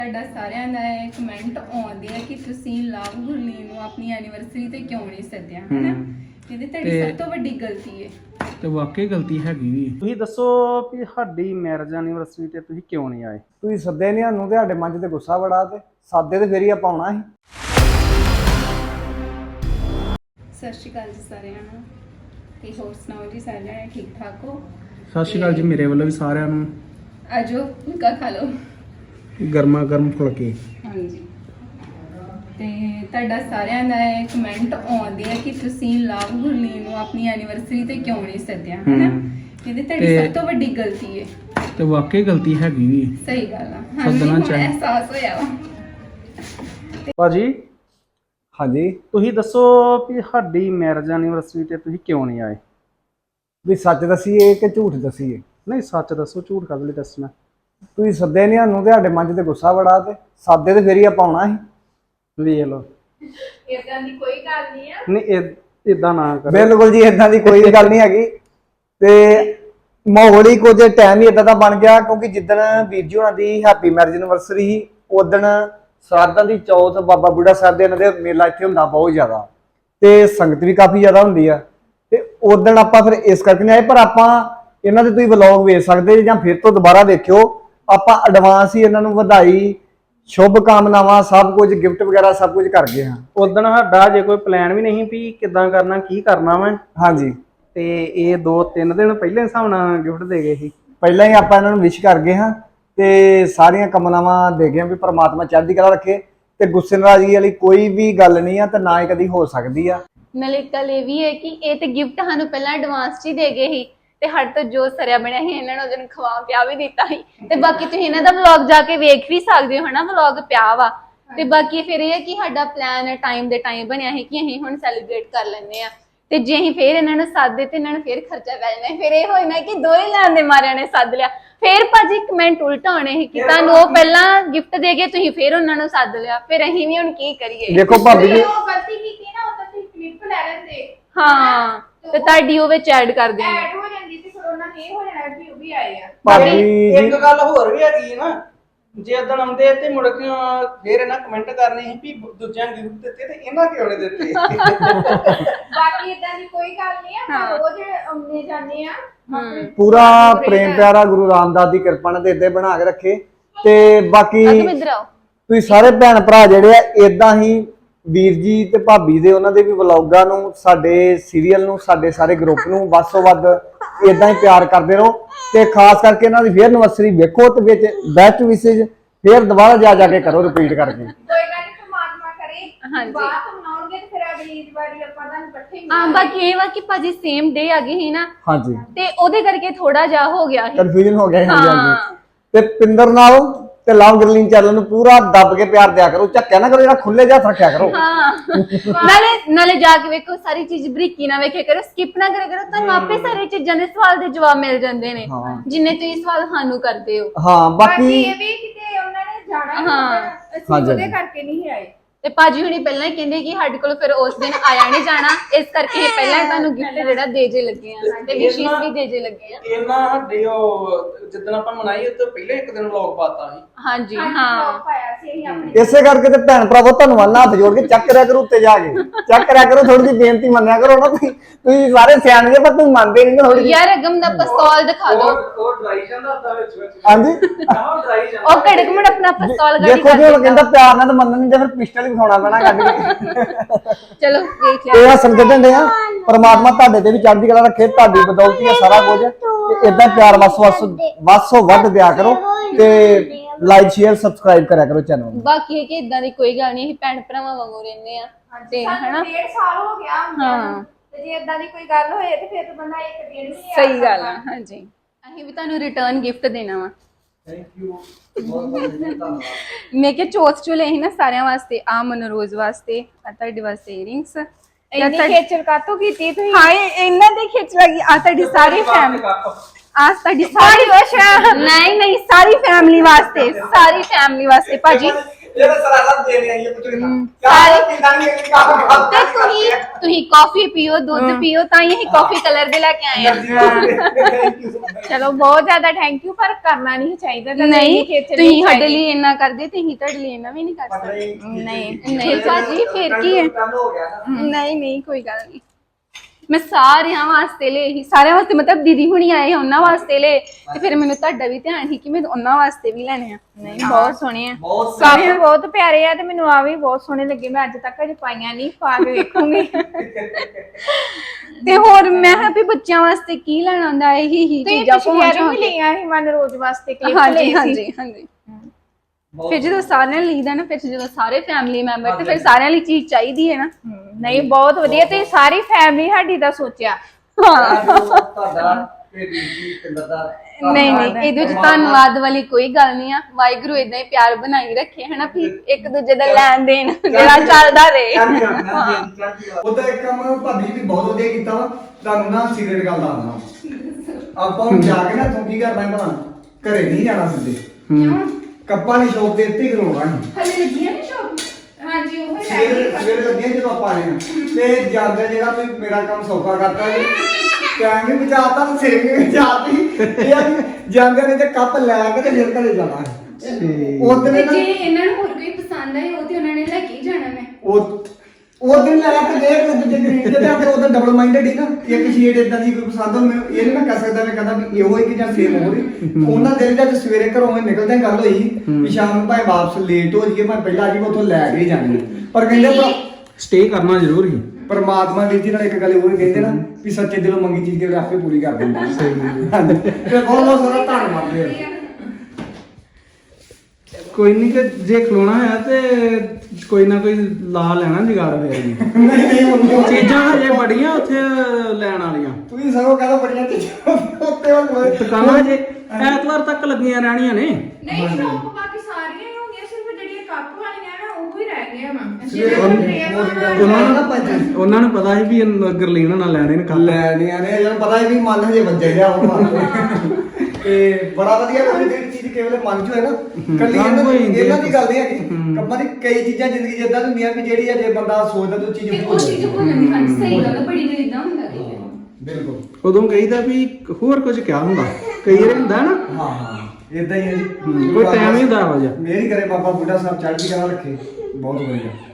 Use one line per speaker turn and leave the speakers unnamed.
ਤੁਹਾਡਾ ਸਾਰਿਆਂ ਦਾ ਕਮੈਂਟ ਆਉਂਦੇ ਆ ਕਿ ਤੁਸੀਂ ਲਵ ਗੁਰਲੀਨ ਨੂੰ ਆਪਣੀ ਐਨੀਵਰਸਰੀ ਤੇ ਕਿਉਂ ਨਹੀਂ ਸੱਦਿਆ ਹਨਾ। ਇਹਦੀ ਤੁਹਾਡੀ ਸਭ ਤੋਂ ਵੱਡੀ ਗਲਤੀ ਹੈ
ਤੇ ਵਾਕਈ ਗਲਤੀ ਹੈਗੀ ਵੀ। ਤੁਸੀਂ ਦੱਸੋ ਵੀ ਸਾਡੀ ਮੈਰਿਜ ਐਨੀਵਰਸਰੀ ਤੇ ਤੁਸੀਂ ਕਿਉਂ ਨਹੀਂ ਆਏ?
ਤੁਸੀਂ ਸੱਦੇ ਨਹੀਂ ਸਾਨੂੰ ਤੇ ਸਾਡੇ ਮਨ 'ਚ ਤੇ ਗੁੱਸਾ ਬੜਾ ਤੇ ਸਾਦੇ ਤੇ ਫੇਰ ਹੀ ਆਪਾਂ ਆਉਣਾ ਸੀ।
ਸਤਿ ਸ਼੍ਰੀ ਅਕਾਲ ਜੀ ਸਾਰਿਆਂ ਨੂੰ। ਤੇ ਹੋਰ ਸੁਣਾਓ ਜੀ, ਸਾਰੇ ਜਣੇ ਠੀਕ ਠਾਕ ਹੋ?
ਸਤਿ ਸ਼੍ਰੀ ਅਕਾਲ ਜੀ ਮੇਰੇ ਵੱਲੋਂ ਵੀ ਸਾਰਿਆਂ ਨੂੰ।
ਆਜੋ ਫੁਲਕਾ ਖਾ ਲਓ।
ਗਰਮਾ ਗਰਮ ਫੁਲਕੇ।
ਹਾਂਜੀ, ਤੇ ਤੁਹਾਡਾ ਸਾਰਿਆਂ ਦਾ ਕਮੈਂਟ ਆਉਂਦੇ ਆ ਕਿ ਤੁਸੀਂ ਲਵ ਗੁਰਲੀਨ ਨੂੰ ਆਪਣੀ ਐਨੀਵਰਸਰੀ ਤੇ ਕਿਉਂ ਨਹੀਂ ਸੱਦਿਆ ਹਨਾ। ਇਹਦੀ ਤੁਹਾਡੀ ਸਭ ਤੋਂ ਵੱਡੀ ਗਲਤੀ ਹੈ
ਤੇ ਵਾਕਈ ਗਲਤੀ ਹੈਗੀ ਵੀ।
ਸਹੀ ਗੱਲ ਆ, ਸਾਨੂੰ ਹੁਣ ਅਹਿਸਾਸ ਹੋਇਆ ਵਾ।
ਭਾਜੀ
ਹਾਂਜੀ,
ਤੁਸੀਂ ਦੱਸੋ ਵੀ ਸਾਡੀ ਮੈਰਿਜ ਐਨੀਵਰਸਰੀ ਤੇ ਤੁਸੀਂ ਕਿਉਂ ਨਹੀਂ ਆਏ?
ਵੀ ਸੱਚ ਦਸੀਏ ਕਿ ਝੂਠ ਦਸੀਏ?
ਨਹੀਂ ਸੱਚ ਦੱਸੋ, ਝੂਠ ਕਾਹਦੇ ਲਈ ਦੱਸਣਾ?
ਤੁਸੀਂ ਸੱਦੇ ਨਹੀਂ ਸਾਨੂੰ ਤੇ ਸਾਡੇ ਮਨ 'ਚ ਤੇ ਗੁੱਸਾ ਬੜਾ ਤੇ ਸਾਦੇ ਤੇ ਫੇਰ ਹੀ ਆਪਾਂ ਆਉਣਾ ਸੀ।
ਵੇਖ ਲਓ,
ਇਦਾਂ ਦੀ ਕੋਈ ਗੱਲ ਨਹੀਂ ਆ।
ਨਹੀਂ ਇਦਾਂ ਨਾ ਕਰੋ।
ਬਿਲਕੁਲ ਜੀ, ਇਦਾਂ ਦੀ ਕੋਈ ਗੱਲ ਨਹੀਂ ਹੈਗੀ। ਤੇ ਮਾਹੌਲ ਹੀ ਕੁਝ ਟਾਈਮ ਹੀ ਇਦਾਂ ਦਾ ਬਣ ਗਿਆ ਕਿਉਂਕਿ ਜਿੱਦਣ ਵੀਰ ਜੀ ਹੋਣਾ ਦੀ ਹੈਪੀ ਮੈਰਿਜ ਐਨੀਵਰਸਰੀ ਸੀ ਉਦਣ ਸਰਾਧਾਂ ਦੀ ਚੌਥ ਬਾਬਾ ਬੁੱਢਾ ਸਾਹਿਬ ਦੇ ਇਹਨਾਂ ਦੇ ਮੇਲਾ ਇੱਥੇ ਹੁੰਦਾ ਬਹੁਤ ਜ਼ਿਆਦਾ ਤੇ ਸੰਗਤ ਵੀ ਕਾਫੀ ਜ਼ਿਆਦਾ ਹੁੰਦੀ ਆ। ਤੇ ਉਦਣ ਆਪਾਂ ਫਿਰ ਇਸ ਕਰਕੇ ਨਹੀਂ ਆਏ, ਪਰ ਆਪਾਂ ਇਹਨਾਂ ਦੇ ਤੁਸੀਂ ਵਲੌਗ ਵੇਖ ਸਕਦੇ ਜਾਂ ਫਿਰ ਤੋਂ ਦੁਬਾਰਾ ਦੇਖਿਓ। ਆਪਾਂ ਐਡਵਾਂਸ ਹੀ ਇਹਨਾਂ ਨੂੰ ਵਧਾਈ, ਸ਼ੁਭ ਕਾਮਨਾਵਾਂ, ਸਭ ਕੁਝ ਗਿਫਟ ਵਗੈਰਾ ਸਭ ਕੁਝ ਕਰ ਗਏ ਹਾਂ।
ਉਦਣ ਸਾਡਾ ਜੇ ਕੋਈ ਪਲਾਨ ਵੀ ਨਹੀਂ ਵੀ ਕਿੱਦਾਂ ਕਰਨਾ, ਕੀ ਕਰਨਾ ਵਾ।
ਹਾਂਜੀ,
ਤੇ ਇਹ 2-3 ਦਿਨ ਪਹਿਲੇ ਹਿਸਾਬ ਨਾਲ ਗਿਫਟ ਦੇ ਗਏ ਸੀ।
ਪਹਿਲਾਂ ਹੀ ਆਪਾਂ ਇਹਨਾਂ ਨੂੰ ਵਿਸ਼ ਕਰ ਗਏ ਹਾਂ ਤੇ ਸਾਰੀਆਂ ਕਾਮਨਾਵਾਂ ਦੇ ਗਏ ਵੀ ਪ੍ਰਮਾਤਮਾ ਚੜ੍ਹਦੀ ਕਲਾ ਰੱਖੇ ਤੇ ਗੁੱਸੇ ਨਾਰਾਜ਼ਗੀ ਵਾਲੀ ਕੋਈ ਵੀ ਗੱਲ ਨਹੀਂ ਆ ਤੇ ਨਾ ਹੀ ਕਦੀ ਹੋ ਸਕਦੀ ਆ।
ਨਾਲੇ ਗੱਲ ਇਹ ਵੀ ਹੈ ਕਿ ਇਹ ਤੇ ਗਿਫਟ ਸਾਨੂੰ ਪਹਿਲਾਂ ਐਡਵਾਂਸ 'ਚ ਹੀ ਦੇ ਗਏ ਸੀ ਤੇ ਸਾਡੇ ਤੋਂ ਜੋ ਸਰਿਆ ਬਣਿਆ ਸੀ ਇਹਨਾਂ ਨੂੰ ਉਹਨੂੰ ਖਵਾ ਪਿਆ ਵੀ ਦਿੱਤਾ ਸੀ। ਤੇ ਬਾਕੀ ਤੁਸੀਂ ਇਹਨਾਂ ਦਾ ਵਲੌਗ ਜਾ ਕੇ ਵੇਖ ਵੀ ਸਕਦੇ ਹੋ ਹਨਾ, ਵਲੌਗ ਪਿਆ ਵਾ। ਤੇ ਬਾਕੀ ਫਿਰ ਇਹ ਹੈ ਕਿ ਸਾਡਾ ਪਲਾਨ ਟਾਈਮ ਦੇ ਟਾਈਮ ਬਣਿਆ ਸੀ ਕਿ ਅਸੀਂ ਹੁਣ ਸੈਲੀਬ੍ਰੇਟ ਕਰ ਲੈਂਦੇ ਆ। ਤੇ ਜੇ ਅਸੀਂ ਫੇਰ ਇਹਨਾਂ ਨੂੰ ਸੱਦਦੇ ਤੇ ਇਹਨਾਂ ਨੂੰ ਫੇਰ ਖਰਚਾ ਪੈ ਜਾਣਾ। ਫਿਰ ਇਹ ਹੋਇਆ ਕਿ ਦੋਏ ਲੈਣ ਦੇ ਮਾਰਿਆਂ ਨੇ ਸੱਦ ਲਿਆ। ਫੇਰ ਭਾਜੀ ਕਮੈਂਟ ਉਲਟਾ ਹੋਣੇ ਸੀ ਕਿ ਤੁਹਾਨੂੰ ਉਹ ਪਹਿਲਾਂ ਗਿਫਟ ਦੇ ਗਏ, ਤੁਸੀਂ ਫੇਰ ਉਹਨਾਂ ਨੂੰ ਸੱਦ ਲਿਆ। ਫਿਰ ਅਸੀਂ ਵੀ ਹੁਣ ਕੀ ਕਰੀਏ?
ਦੇਖੋ ਭਾਬੀ ਜੀ,
ਉਹ ਗਲਤੀ ਕੀਤੀ ਨਾ, ਉਹ ਤਾਂ ਤੁਸੀਂ ਕਲਿੱਪ ਲੈ ਲੈਂਦੇ।
ਹਾਂ, ਤੇ ਤੁਹਾਡੀ ਉਹ ਵਿੱਚ ਐਡ ਕਰ ਦੇਣੀ।
ਐਡ ਹੋ ਜਾਂਦੀ ਤੇ ਫਿਰ ਉਹਨਾਂ ਨੇ ਇਹ ਹੋ ਜਾਣਾ ਵੀ ਉਹ ਵੀ ਆਏ ਆ।
ਭਾਬੀ ਜੀ
ਇੱਕ ਗੱਲ ਹੋਰ ਵੀ ਹੈਗੀ ਨਾ, ਜੇ ਉਦੋਂ ਆਉਂਦੇ ਤੇ ਮੁੜ ਕੇ ਫੇਰ ਇਹਨਾਂ ਕਮੈਂਟ ਕਰਨੇ ਸੀ ਵੀ ਦੂਜਿਆਂ ਨੂੰ ਗਿਫਟ ਦਿੱਤੇ ਤੇ ਇਹਨਾਂ ਕਿਉਂ ਨਹੀਂ ਦਿੱਤੇ।
ਬਾਕੀ ਇਦਾਂ ਦੀ ਕੋਈ ਗੱਲ ਨਹੀਂ ਆ, ਆਪਾਂ ਰੋਜ਼ ਆਉਂਦੇ ਜਾਂਦੇ ਆ।
ਪੂਰਾ ਪ੍ਰੇਮ ਪਿਆਰਾ ਗੁਰੂ ਰਾਮਦਾਸ ਦੀ ਕਿਰਪਾ ਨਾਲ ਤੇ ਏਦਾਂ ਬਣਾ ਕੇ ਰੱਖੇ। ਤੇ ਬਾਕੀ
ਇੱਧਰ ਆਓ।
ਤੁਸੀਂ ਸਾਰੇ ਭੈਣ ਭਰਾ ਜਿਹੜੇ ਆ ਏਦਾਂ ਹੀ ਵੀਰ ਜੀ ਤੇ ਭਾਬੀ ਦੇ ਉਹਨਾਂ ਦੇ ਵੀ ਵਲੌਗਾਂ ਨੂੰ, ਸਾਡੇ ਸੀਰੀਅਲ ਨੂੰ, ਸਾਡੇ ਸਾਰੇ ਗਰੁੱਪ ਨੂੰ ਵੱਧ ਤੋਂ ਵੱਧ ਏਦਾਂ ਹੀ ਪਿਆਰ ਕਰਦੇ ਰਹੋ। ਤੇ ਖਾਸ ਕਰਕੇ ਇਹਨਾਂ ਦੀ ਫੇਰ ਐਨਵਰਸਰੀ ਵੇਖੋ ਤੇ ਵਿੱਚ ਬੈਸਟ ਵਿਸ਼ੇਜ ਫੇਰ ਦੁਬਾਰਾ ਜਾ ਕੇ ਕਰੋ ਰਿਪੀਟ ਕਰਕੇ।
ਕੋਈ ਗੱਲ ਨਹੀਂ, ਪਰਮਾਤਮਾ ਕਰੇ
ਹਾਂਜੀ।
ਬਾਤ ਮਨਾਉਣਗੇ ਤੇ ਫਿਰ ਅਗਲੀ ਵਾਰੀ ਆਪਾਂ ਤੁਹਾਨੂੰ ਇਕੱਠੇ ਹੀ
ਹਾਂ, ਬਾਕੀ ਇਹ ਵਾ ਕਿ ਭਾਜੀ ਸੇਮ ਡੇ ਆ ਗਏ ਸੀ ਨਾ,
ਹਾਂਜੀ,
ਤੇ ਉਹਦੇ ਕਰਕੇ ਥੋੜਾ ਜਿਹਾ ਹੋ ਗਿਆ ਸੀ।
ਕਨਫਿਊਜ਼ਨ ਹੋ ਗਿਆ। ਹਾਂਜੀ
ਹਾਂ।
ਹਾਂਜੀ। ਤੇ ਪਿੰਦਰ ਨਾਲ ਤੇ ਲਵ ਗਰਲਿੰਗ ਚੈਨਲ ਨੂੰ ਪੂਰਾ ਦੱਬ ਕੇ ਪਿਆਰ ਦਿਆ ਕਰੋ, ਝੱਕਿਆ ਨਾ ਕਰੋ, ਜਿਹੜਾ ਖੁੱਲੇ ਜਾ ਰੱਖਿਆ ਕਰੋ।
ਹਾਂ, ਨਾਲੇ ਜਾ ਕੇ ਵੇਖੋ, ਸਾਰੀ ਚੀਜ਼ ਬਰੀਕੀ ਨਾਲ ਵੇਖਿਆ ਕਰੋ, ਸਕਿਪ ਨਾ ਕਰਿਆ ਕਰੋ। ਤੁਹਾਨੂੰ ਆਪੇ ਸਾਰੀ ਚੀਜ਼ਾਂ ਦੇ ਸਵਾਲ ਦੇ ਜਵਾਬ ਮਿਲ ਜਾਂਦੇ ਨੇ ਜਿੰਨੇ ਤੁਸੀਂ ਸਵਾਲ ਸਾਨੂੰ ਕਰਦੇ ਹੋ।
ਹਾਂ,
ਬਾਕੀ
ਬਾਕੀ
ਇਹ ਵੀ ਕਿਤੇ ਉਹਨਾਂ ਨੇ ਜਾਣਾ
ਹਾਂ।
ਅਸੀਂ ਉਹਦੇ ਕਰਕੇ ਨਹੀਂ ਆਏ।
ਤੇ ਭਾਜੀ ਹੁਣੀ ਪਹਿਲਾਂ ਹੀ ਕਹਿੰਦੇ ਕਿ ਸਾਡੇ ਕੋਲ ਫਿਰ ਉਸ ਦਿਨ ਆਇਆ ਨਹੀਂ ਜਾਣਾ, ਇਸ ਕਰਕੇ ਇਹ ਪਹਿਲਾਂ ਹੀ ਤੁਹਾਨੂੰ ਗਿਫਟ ਜਿਹੜਾ ਦੇ ਜੇ ਲੱਗੇ ਆ ਤੇ ਵਿਸ਼ੇਸ ਵੀ ਦੇ ਜੇ ਲੱਗੇ ਆ।
ਇਹਨਾਂ ਸਾਡੇ ਉਹ ਜਿੱਦਣ ਆਪਾਂ ਮਨਾਈ ਉਹ ਤੋਂ ਪਹਿਲਾਂ ਇੱਕ ਦਿਨ ਵਲੌਗ ਪਾਤਾ ਸੀ।
ਹਾਂਜੀ, ਹਾਂ।
ਪਾਇਆ ਸੀ ਅਸੀਂ ਆਪਣੇ।
ਇਸੇ ਕਰਕੇ ਤੇ ਭੈਣ ਭਰਾਵੋ ਧੰਨਵਾਦ ਨਾਲ ਹੱਥ ਜੋੜ ਕੇ ਚੱਕ ਕਰਿਆ ਕਰੋ, ਉੱਤੇ ਜਾ ਕੇ ਚੱਕ ਕਰਿਆ ਕਰੋ। ਥੋੜੀ ਜਿਹੀ ਬੇਨਤੀ ਮੰਨਿਆ ਕਰੋ ਨਾ, ਤੁਸੀਂ ਸਾਰੇ ਸਿਆਣੇ ਜੇ ਪਰ ਤੁਸੀਂ ਮੰਨਦੇ ਨਹੀਂ। ਥੋੜੀ
ਯਾਰ ਅਗਮ ਦਾ ਪਿਸਤੌਲ ਦਿਖਾ ਦਿਓ।
ਉਹ ਡਰਾਈ ਜਾਂਦਾ ਹੁੰਦਾ ਵਿੱਚ
ਹਾਂਜੀ,
ਉਹ ਡਰਾਈ ਜਾਂਦਾ।
ਉਹ ਕੜਕ ਮਿੰਟ ਆਪਣਾ ਪਿਸਤੌਲ ਗਾੜੀ
ਦੇਖੋ ਜੀ, ਉਹ ਕਹਿੰਦਾ ਪਿਆਰ ਨਾਲ ਤਾਂ ਮੰਨਣ ਨਹੀਂ ਤੇ ਫਿਰ ਪਿਸਟਲ ਵੀ ਵਿਖਾਉਣਾ ਪੈਣਾ ਕੱਢ ਕੇ।
ਚਲੋ ਵੇਖ ਲਿਆ।
ਇਹ ਆ ਸਮਝਦੇ ਆ, ਪਰਮਾਤਮਾ ਤੁਹਾਡੇ ਤੇ ਵੀ ਚੜ੍ਹਦੀ ਕਲਾ ਰੱਖੇ, ਤੁਹਾਡੀ ਬਦੌਲਤ ਹੀ ਆ ਸਾਰਾ ਕੁਝ। ਤੇ ਇਦਾਂ ਪਿਆਰ ਵੱਸੋ ਵੱਧ ਦਿਆ ਕਰੋ ਤੇ ਲਾਈਕ ਸ਼ੇਅਰ ਸਬਸਕ੍ਰਾਈਬ ਕਰਿਆ ਕਰੋ ਚੈਨਲ ਨੂੰ।
ਬਾਕੀ ਇਹ ਕਿ ਇਦਾਂ ਦੀ ਕੋਈ ਗੱਲ ਨਹੀਂ, ਅਸੀਂ ਭੈਣ ਭਰਾਵਾਂ ਵਾਂਗੂ ਰਹਿੰਦੇ ਆ ਤੇ ਹਨਾ।
1.5 ਸਾਲ ਹੋ ਗਿਆ
ਹਾਂ,
ਤੇ ਜੇ ਇਦਾਂ ਦੀ ਕੋਈ ਗੱਲ ਹੋਏ ਤੇ ਫਿਰ ਬੰਦਾ ਇੱਕ ਦਿਨ ਵੀ ਨਹੀਂ ਆ
ਸਹੀ ਗੱਲ ਆ। ਹਾਂਜੀ, ਅਸੀਂ ਵੀ ਤੁਹਾਨੂੰ ਰਿਟਰਨ ਗਿਫਟ ਦੇਣਾ ਵਾ।
ਥੈਂਕ ਯੂ, ਬਹੁਤ ਬਹੁਤ ਧੰਨਵਾਦ।
ਮੈਂ ਕਿ ਚੌਥ ਚੋਲੇ ਸੀ ਨਾ ਸਾਰਿਆਂ ਵਾਸਤੇ, ਆ ਮਨੋਰੋਜ਼ ਵਾਸਤੇ, ਆ ਤੁਹਾਡੇ ਵਾਸਤੇ ਈਅਰਿੰਗਸ।
ਇੰਨੀ ਖੇਚਲ ਕਾਤੋਂ ਕੀਤੀ ਤੁਸੀਂ?
ਹਾਂ, ਇਹਨਾਂ ਦੇ ਖਿੱਚ ਲੱਗੀ। ਆ ਤੁਹਾਡੀ ਸਾਰੀ ਫੈਮਿਲੀ, ਆ ਤੁਹਾਡੀ ਸਾਰੀ ਨਹੀਂ ਸਾਰੀ ਫੈਮਿਲੀ ਵਾਸਤੇ, ਸਾਰੀ ਫੈਮਿਲੀ ਵਾਸਤੇ ਭਾਜੀ।
ਇਹ ਤਾਂ ਸਰਾਸਰ ਦੇ ਨਹੀਂ ਆਈ ਹੈ ਪੁੱਛ
ਹਮ,
ਚਾਹ ਪੀਂਦਾ ਨਹੀਂ ਇਹ ਕੰਮ
ਤੇ ਤੁਸੀਂ ਕਾਫੀ ਪੀਓ ਦੁੱਧ ਪੀਓ ਤਾਂ ਹੀ ਅਸੀਂ ਕਾਫੀ ਕਲਰ ਦੇ ਲੈ ਕੇ ਆਏ ਆ
ਚਲੋ ਬਹੁਤ ਜ਼ਿਆਦਾ ਥੈਂਕ ਯੂ ਪਰ ਕਰਨਾ ਨਹੀਂ ਚਾਹੀਦਾ ਤਾਂ
ਨਹੀਂ
ਖੇਚ
ਤੁਸੀਂ ਸਾਡੇ ਲਈ ਇੰਨਾ ਕਰਦੇ ਤੇ ਅਸੀਂ ਤੁਹਾਡੇ ਲਈ ਇੰਨਾ ਵੀ ਨਹੀਂ ਕਰ ਸਕਦੇ ਨਹੀਂ ਭਾਜੀ ਫਿਰ ਕੀ ਹੈ
ਹੋ ਗਿਆ ਨਾ
ਨਹੀਂ ਨਹੀਂ ਕੋਈ ਗੱਲ ਨਹੀਂ ਮੈਂ ਸਾਰਿਆਂ ਵਾਸਤੇ ਲਈ ਹੀ ਸਾਰਿਆਂ ਵਾਸਤੇ ਮਤਲਬ ਦੀਦੀ ਹੁਣੀ ਆਏ ਉਹਨਾਂ ਵਾਸਤੇ ਲੈ ਤੇ ਫਿਰ ਮੈਨੂੰ ਤੁਹਾਡਾ ਵੀ ਧਿਆਨ ਸੀ ਕਿ ਮੈਂ ਉਹਨਾਂ ਵਾਸਤੇ ਵੀ ਲੈਣੇ ਆ
ਨਹੀਂ ਬਹੁਤ ਸੋਹਣੇ ਆ
ਬਹੁਤ
ਕਾਫੀ ਬਹੁਤ ਪਿਆਰੇ ਆ ਤੇ ਮੈਨੂੰ ਆ ਵੀ ਬਹੁਤ ਸੋਹਣੇ ਲੱਗੇ ਮੈਂ ਅੱਜ ਤੱਕ ਅਜੇ ਪਾਈਆਂ ਨਹੀਂ ਪਾ ਕੇ ਵੇਖੂੰਗੀ
ਤੇ ਹੋਰ ਮੈਂ ਵੀ ਬੱਚਿਆਂ ਵਾਸਤੇ ਕੀ ਲੈਣਾ ਹੁੰਦਾ ਇਹੀ ਹੀ
ਤੇ
ਚੀਜ਼ਾਂ
ਪਿਛਲੇ ਵੀ ਲਈਆਂ ਸੀ ਮਨ ਰੋਜ਼ ਵਾਸਤੇ ਕਲਿੱਪ
ਹਾਂਜੀ
ਲਈ
ਹਾਂਜੀ
ਸੀ
ਹਾਂਜੀ ਫਿਰ ਜਦੋਂ ਸਾਰਿਆਂ ਲਈ ਲਈਦਾ ਨਾ ਫਿਰ ਜਦੋਂ ਸਾਰੇ ਫੈਮਿਲੀ ਮੈਂਬਰ ਤੇ ਫਿਰ ਸਾਰਿਆਂ ਲਈ ਚੀਜ਼ ਚਾਹੀਦੀ ਹੈ ਨਾ
ਨਹੀਂ ਬਹੁਤ ਵਧੀਆ ਤੇ ਸਾਰੀ ਫੈਮਿਲੀ ਸਾਡੀ ਦਾ ਸੋਚਿਆ
ਤੁਹਾਡਾ ਤੇ ਜੀ ਕਿੰਦਰ ਦਾ
ਨਹੀਂ ਨਹੀਂ ਇਹਦੇ ਵਿੱਚ ਧੰਨਵਾਦ ਵਾਲੀ ਕੋਈ ਗੱਲ ਨਹੀਂ ਆ ਵਾਹਿਗੁਰੂ ਇਦਾਂ ਹੀ ਪਿਆਰ ਬਣਾਈ ਰੱਖੇ ਹਨਾ ਵੀ ਇੱਕ ਦੂਜੇ ਦਾ ਲੈਣ ਦੇਣ ਜਿਹੜਾ ਚੱਲਦਾ ਰਹੇ
ਉਹਦਾ ਇੱਕ ਕੰਮ ਭਾਬੀ ਵੀ ਬਹੁਤ ਵਧੀਆ ਕੀਤਾ ਵਾ ਤੁਹਾਨੂੰ ਨਾ ਸੀਕ੍ਰੇਟ ਗੱਲ ਦੱਸਣਾ ਆਪਾਂ ਹੁਣ ਜਾ ਕੇ ਨਾ ਤੂੰ ਕੀ ਕਰਨਾ ਹੈ ਭਲਾ ਘਰੇ ਨਹੀਂ ਜਾਣਾ ਸਿੱਧੇ ਕੱਪਾਂ ਦੀ ਸ਼ੌਪ ਦੇ ਇੱਥੇ ਹੀ ਕਰਵਾਉਣਾ
ਹਲੇ ਲੱਗੀਆਂ ਨੇ ਸ਼ੌਪ ਹਾਂਜੀ ਉਹ
ਸਵੇਰੇ ਲੱਗੀਆਂ ਜਦੋਂ ਆਪਾਂ ਆਏ ਹਾਂ ਤੇ ਜਾਂਦੇ ਜਿਹੜਾ ਵੀ ਮੇਰਾ ਕੰਮ ਸੌਖਾ ਕਰਤਾ ਜੀ ਟਾਈਮ ਵੀ ਬਚਾਤਾ ਤੇ ਸੇਵ ਵੀ ਬਚਾਤੀ ਇਹ ਆ ਵੀ ਜਾਂਦੇ ਨੇ ਤੇ ਕੱਪ ਲੈ ਕੇ ਤੇ ਫਿਰ ਘਰੇ ਜਾਣਾ ਉਦੋਂ
ਤੇ
ਨਾ
ਜੇ ਇਹਨਾਂ ਨੂੰ ਹੋਰ ਕੋਈ ਪਸੰਦ ਆਏ ਉਹ ਤੇ ਉਹਨਾਂ ਨੇ ਲੈ ਕੇ ਹੀ ਜਾਣਾ ਮੈਂ
ਉਹ ਦਿਨ ਲੈ ਕੇ ਦੇਖ ਦੂਜੇ ਗ੍ਰੀਨ ਤੇ ਆਪੇ ਉਹਦਾ ਡਬਲ ਮਾਈਂਡਡ ਹੀ ਨਾ ਇੱਕ ਸ਼ੇਡ ਇਦਾਂ ਦੀ ਕੋਈ ਪਸੰਦ ਹੋ ਮੈਂ ਇਹ ਨਹੀਂ ਮੈਂ ਕਹਿ ਸਕਦਾ ਮੈਂ ਕਹਿੰਦਾ ਵੀ ਇਹੋ ਇੱਕ ਜਾਂ ਸੇਮ ਹੋ ਰਹੀ ਉਹਨਾਂ ਦਿਨ ਜਦ ਸਵੇਰੇ ਘਰੋਂ ਨਿਕਲਦੇ ਗੱਲ ਹੋਈ ਵੀ ਸ਼ਾਮ ਨੂੰ ਭਾਵੇਂ ਵਾਪਸ ਲੇਟ ਹੋ ਜਾਈਏ ਭਾਵੇਂ ਪਹਿਲਾਂ ਜੀ ਉੱਥੋਂ ਲੈ ਕੇ ਹੀ ਜਾਣੀ ਪਰ ਕਹਿੰਦੇ
ਸਟੇ ਕਰਨਾ ਜ਼ਰੂਰ ਹੀ
ਪਰਮਾਤਮਾ ਵੀਰ ਜੀ ਨਾਲ ਇੱਕ ਗੱਲ ਹੋਰ ਕਹਿੰਦੇ ਨਾ ਵੀ ਸੱਚੇ ਦਿਲੋਂ ਮੰਗੀ ਚੀਜ਼ ਕੇ ਆਪੇ ਪੂਰੀ ਕਰ ਦਿੰਦਾ ਸਹੀ ਤੇ ਬਹੁਤ ਬਹੁਤ ਸਾਰਾ ਧੰਨਵਾਦ ਵੀਰ
ਕੋਈ ਨਹੀਂ ਕਿ ਜੇ ਖਲੋਣਾ ਹੈ ਤੇ ਕੋਈ ਨਾ ਕੋਈ ਲਾ ਲੈਣਾ ਜਗਾੜ ਫੇਰ ਵੀ
ਨਹੀਂ ਨਹੀਂ ਹੁਣ
ਚੀਜ਼ਾਂ ਹਜੇ ਬੜੀਆਂ ਉੱਥੇ ਲੈਣ ਵਾਲੀਆਂ
ਤੁਸੀਂ ਸਗੋਂ ਕਹਿੰਦਾ ਬੜੀਆਂ ਚੀਜ਼ਾਂ ਉੱਤੇ ਉਹ
ਦੁਕਾਨਾਂ ਹਜੇ ਐਤਵਾਰ ਤੱਕ ਲੱਗੀਆਂ ਰਹਿਣੀਆਂ ਨੇ
ਨਹੀਂ ਸ਼ੌਪ ਬਾਕੀ ਸਾਰੀਆਂ ਹੀ ਹੋ ਗਈਆਂ ਸਿਰਫ ਜਿਹੜੀਆਂ ਕੱਪ ਵਾਲੀਆਂ ਨਾ ਉਹ ਹੀ ਰਹਿ ਗਈਆਂ ਵਾ
ਉਹਨਾਂ ਨੂੰ ਪਤਾ ਸੀ ਵੀ ਗਰਲੀਨ ਨਾਲ ਲੈਣੇ ਨੇ ਕੱਲ
ਲੈਣੀਆਂ ਨੇ ਜਦੋਂ ਪਤਾ ਹੀ ਵੀ ਮਨ ਹਜੇ ਵੱਜੇ ਗਿਆ ਉਹ ਮਨ ਤੇ ਬੜਾ ਵਧੀਆ ਕੋਈ ਜਿਹੜੀ ਚੀਜ਼ ਕੇਵਲ ਮਨ ਚ ਹੋਏ ਨਾ ਕੱਲੀ ਇਹਨਾਂ ਦੀ ਗੱਲ ਨਹੀਂ ਹੈਗੀ ਕੰਮਾਂ ਦੀ ਕਈ ਚੀਜ਼ਾਂ ਜ਼ਿੰਦਗੀ 'ਚ ਏਦਾਂ ਹੁੰਦੀਆਂ ਕਿ ਜਿਹੜੀ ਅਜੇ ਬੰਦਾ ਸੋਚਦਾ ਤੇ ਉਹ ਚੀਜ਼
ਤੇ ਉਹ ਚੀਜ਼ ਹੋ ਜਾਂਦੀ ਹਾਂ ਸਹੀ ਗੱਲ ਆ, ਬੜੀ ਵਾਰ ਇਦਾਂ ਹੁੰਦਾ ਕਿ
ਬਿਲਕੁਲ
ਉਦੋਂ ਕਹੀਦਾ ਵੀ ਹੋਰ ਕੁਝ ਕਿਹਾ ਹੁੰਦਾ ਕਈ ਵਾਰ ਹੁੰਦਾ ਨਾ
ਹਾਂ ਹਾਂ ਇਦਾਂ ਹੀ ਹੈ ਜੀ
ਕੋਈ ਟਾਈਮ ਹੀ ਹੁੰਦਾ ਵਾ ਜੀ
ਮੇਰੀ ਕਰੇ ਬਾਬਾ ਬੁੱਢਾ ਸਾਹਿਬ ਚੜ੍ਹਦੀ ਕਲਾ ਰੱਖੇ ਬਹੁਤ ਵਧੀਆ